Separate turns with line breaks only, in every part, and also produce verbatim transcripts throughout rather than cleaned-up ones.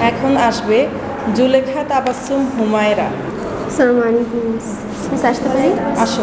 এখন আসবে জুলেখা তাবাসসুম হুমায়রা।
আসসালামু আলাইকুম মিস, আসতে পারি?
আসো।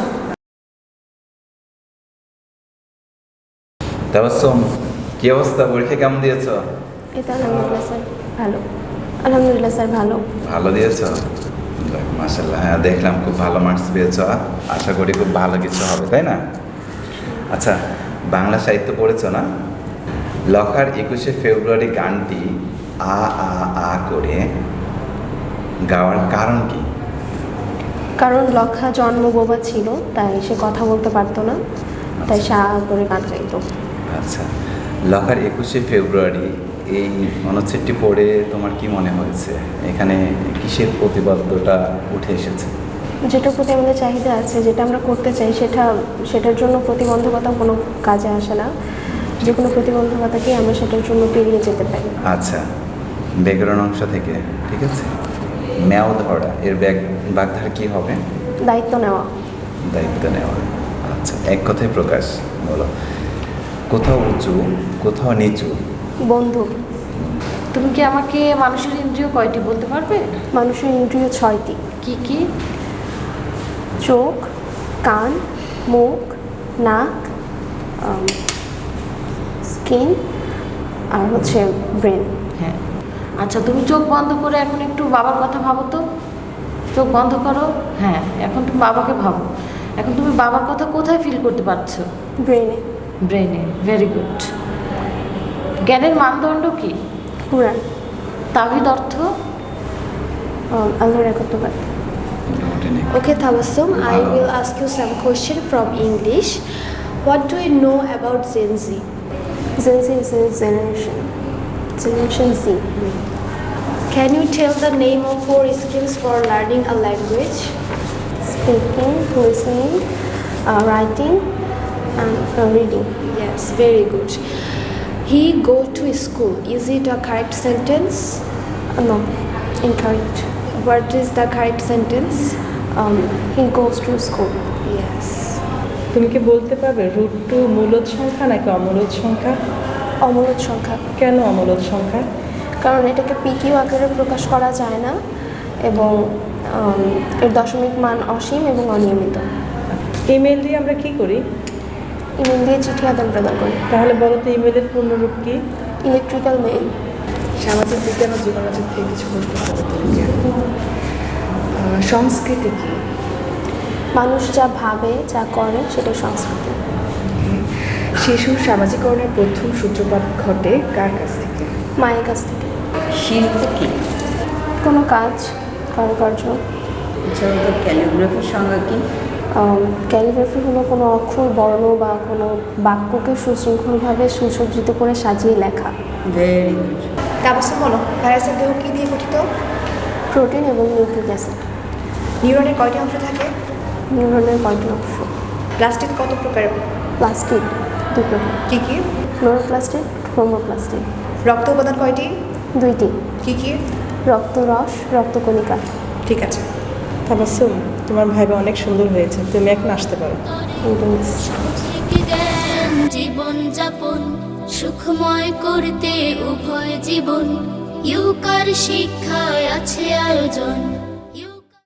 তাবাসসুম, কি অবস্থা? পরীক্ষা কেমন দিয়েছ?
এই তো আলহামদুলিল্লাহ স্যার, ভালো। আলহামদুলিল্লাহ স্যার, ভালো।
ভালো দিয়েছ? যাক, মাশাআল্লাহ। হ্যাঁ, দেখলাম খুব ভালো মার্কস পেয়েছ। আশা করি খুব ভালো কিছু হবে, তাই না? আচ্ছা, বাংলা সাহিত্য পড়েছো না? লখার একুশে ফেব্রুয়ারি গানটি আ আ আ করে গাওয়ার কারণ কি?
কারণ লক্ষা জন্ম বোবা ছিল, তাই সে কথা বলতে পারতো না, তাই সা করে গান গাইতো।
আচ্ছা, লখার একুশে ফেব্রুয়ারি এই অনুচ্ছেদটি পড়ে তোমার কি মনে হয়েছে? এখানে কিসের প্রতিবাদ্যটা উঠে এসেছে?
যেটার প্রতি আমাদের চাহিদা আছে, যেটা আমরা করতে চাই, সেটা সেটার জন্য প্রতিবন্ধকতা কোনো কাজে আসে না। যে কোনো প্রতিবন্ধকতাকে আমরা সেটার জন্য পেরিয়ে যেতে পারি।
আচ্ছা, ব্যাকরণ অংশ থেকে, ঠিক আছে। ন্যাও ধরা, এর ব্যাগ বাগধারা কি হবে?
দায়িত্ব নেওয়া।
দায়িত্ব নেওয়া। আচ্ছা, এক কথায় প্রকাশ বলো। কোথাও উঁচু, কোথাও নিচু।
বন্ধু।
তুমি কি আমাকে মানুষের ইন্দ্রিয় কয়টি বলতে পারবে?
মানুষের ইন্দ্রিয় ছয়টি।
কি কি?
চোখ, কান, মুখ, নাক, স্কিন আর হচ্ছে ব্রেন।
হ্যাঁ। আচ্ছা, তুমি চোখ বন্ধ করে এখন একটু বাবার কথা ভাবো তো। চোখ বন্ধ করো। হ্যাঁ, এখন তুমি বাবাকে ভাবো। এখন তুমি বাবার কথা কোথায় ফিল করতে পারছো?
ব্রেনে।
ব্রেনে। Very good. জ্ঞানের মানদণ্ড কি?
কুরআন।
তাওহীদ অর্থ?
আল্লাহর একত্ববাদ।
Okay, Tabassum, I will ask you some question from English. What do you know about Gen Z?
Gen Z is a generation. Generation Z.
Can you tell the name of four skills for learning a language?
Speaking, listening, uh, writing, and uh, reading.
Yes, very good. He go to school. Is it a correct sentence?
Uh, no, incorrect.
What is the correct sentence?
Um, he goes to school.
Yes.
তুমি কি বলতে পারবে root two মূলদ সংখ্যা নাকি অমূলদ সংখ্যা?
অমূলদ সংখ্যা।
কেন অমূলদ সংখ্যা?
কারণ এটাকে পিকিউ আকারে প্রকাশ করা যায় না এবং এর দশমিক মান অসীম এবং অনিয়মিত।
ইমেল দিয়ে আমরা কি করি?
ইমেল দিয়ে চিঠি আদান প্রদান করি।
তাহলে বলো তো ইমেলের পূর্ণরূপ কি?
Electrical mail.
সামাজিক বিজ্ঞান ও জীবনচর থেকে কিছু প্রশ্ন করবো তোমাকে। সংস্কৃতি কি?
মানুষ যা ভাবে, যা করে, সেটাই সংস্কৃতি।
শিশুর সামাজিকরণের প্রথম সূত্রপাত ঘটে কার কাছ থেকে?
মায়ের কাছ থেকে।
শিল্প কি?
কোনো কাজ, কারুকার্য।
ক্যালিগ্রাফির সংজ্ঞা কি?
ক্যালিগ্রাফি হলো কোনো অক্ষর, বর্ণ বা কোনো বাক্যকে সুশৃঙ্খলভাবে সুসজ্জিত করে সাজিয়ে লেখা।
Very good.
তাবাসসুম, বলো ভাইরাসের দেহ কি দিয়ে গঠিত?
প্রোটিন এবং নিউক্লিক অ্যাসিড।
নিউরনের কয়টি অংশ থাকে?
নিউরনের কয়টি অংশ?
প্লাস্টিক কত প্রকার?
প্লাস্টিক দুই প্রকার।
কি কি?
ক্লোরোপ্লাস্টিক, ক্রোমোপ্লাস্টিক।
রক্ত উপাদান কয়টি?
দুইটি।
কি কি?
রক্তরস, রক্তকণিকা।
ঠিক আছে।
তাবাসসুম, তোমার ভাইবা অনেক সুন্দর হয়েছে, তুমি এখন আসতে পারো।
জীবন যাপন সুখময় করতে উভয় জীবন ইউকার শিক্ষায় আছে আয়োজন।